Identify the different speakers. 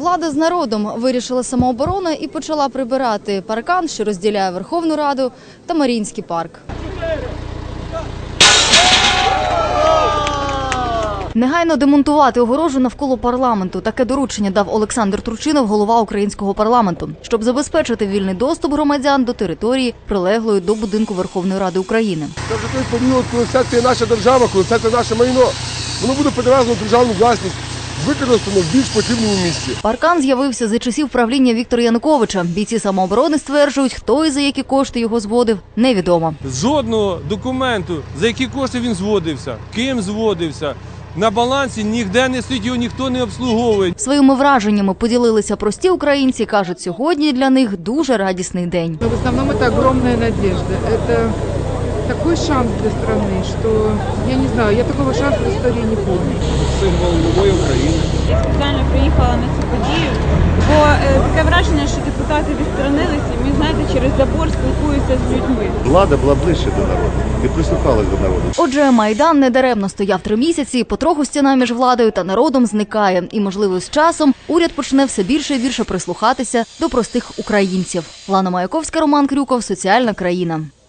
Speaker 1: Влада з народом вирішила самооборона і почала прибирати паркан, що розділяє Верховну Раду та Маріїнський парк. Негайно демонтувати огорожу навколо парламенту. Таке доручення дав Олександр Турчинов, голова українського парламенту, щоб забезпечити вільний доступ громадян до території, прилеглої до будинку Верховної Ради України.
Speaker 2: Це вже той період, коли це наша держава, коли це наше майно. Воно буде перевезено в державну власність, використано в більш потрібному місці.
Speaker 1: Паркан з'явився за часів правління Віктора Януковича. Бійці самооборони стверджують, хто і за які кошти його зводив, невідомо.
Speaker 3: Жодного документу, за які кошти він зводився, ким зводився. На балансі ніде не стоїть, його ніхто не обслуговує.
Speaker 1: Своїми враженнями поділилися прості українці. Кажуть, сьогодні для них дуже радісний день.
Speaker 4: В основному це огромна надежда. Це такий шанс для країни, що, я не знаю, я такого шансу в історії не пам'ятаю.
Speaker 3: Символ нової України.
Speaker 5: Я спеціально приїхала на цю подію, бо таке враження, що депутати відсторонилися, і ми, знаєте, через забор спілкуються з людьми.
Speaker 6: Влада була ближче до народу і прислухалась до народу.
Speaker 1: Отже, Майдан недаремно стояв 3 місяці, потроху стіна між владою та народом зникає. І, можливо, з часом уряд почне все більше і більше прислухатися до простих українців. Лана Маяковська, Роман Крюков, Соціальна країна.